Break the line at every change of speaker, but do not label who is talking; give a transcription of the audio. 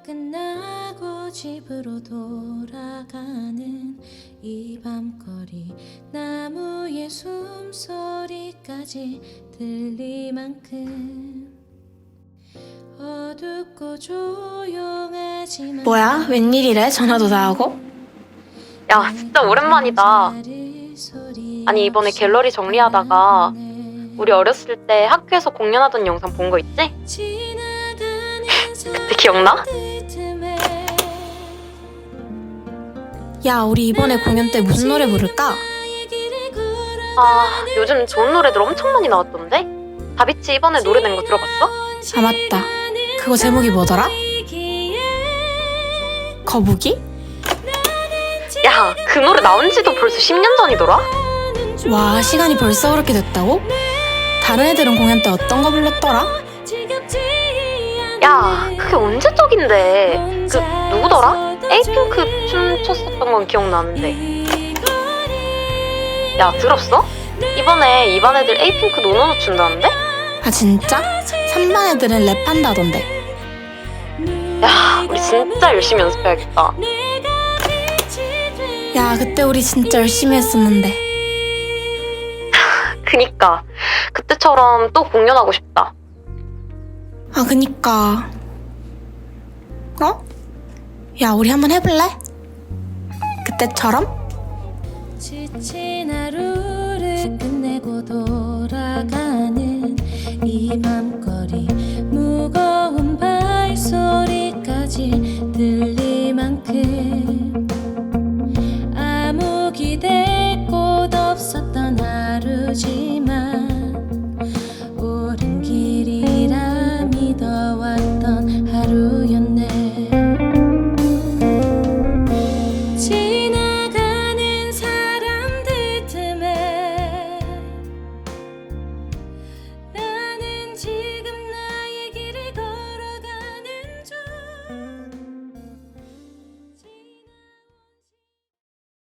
끝나고 집으로 돌아가는 이 밤거리 나무의 숨소리까지 들릴 만큼 어둡고 조용하지만
뭐야? 웬일이래? 전화도 다 하고?
야, 진짜 오랜만이다. 아니, 이번에 갤러리 정리하다가 우리 어렸을 때 학교에서 공연하던 영상 본 거 있지? 그때 기억나?
야, 우리 이번에 공연 때 무슨 노래 부를까?
아, 요즘 좋은 노래들 엄청 많이 나왔던데? 다비치 이번에 노래 낸 거 들어봤어?
아, 맞다. 그거 제목이 뭐더라? 거북이?
야, 그 노래 나온 지도 벌써 10년 전이더라?
와, 시간이 벌써 그렇게 됐다고? 다른 애들은 공연 때 어떤 거 불렀더라?
야, 그게 언제적인데? 그 누구더라? 에이핑크 춤 췄었던 건 기억나는데. 야, 들었어? 이번에 2반 애들 에이핑크 노노노 춘다는데?
아, 진짜? 3반 애들은 랩한다던데.
야, 우리 진짜 열심히 연습해야겠다.
야, 그때 우리 진짜 열심히 했었는데.
그니까 그때처럼 또 공연하고 싶다.
아, 그니까. 어? 야, 우리 한번 해볼래? 그때처럼?
지친 하루를 끝내고 돌아가는 이 밤거리 무거운 발소리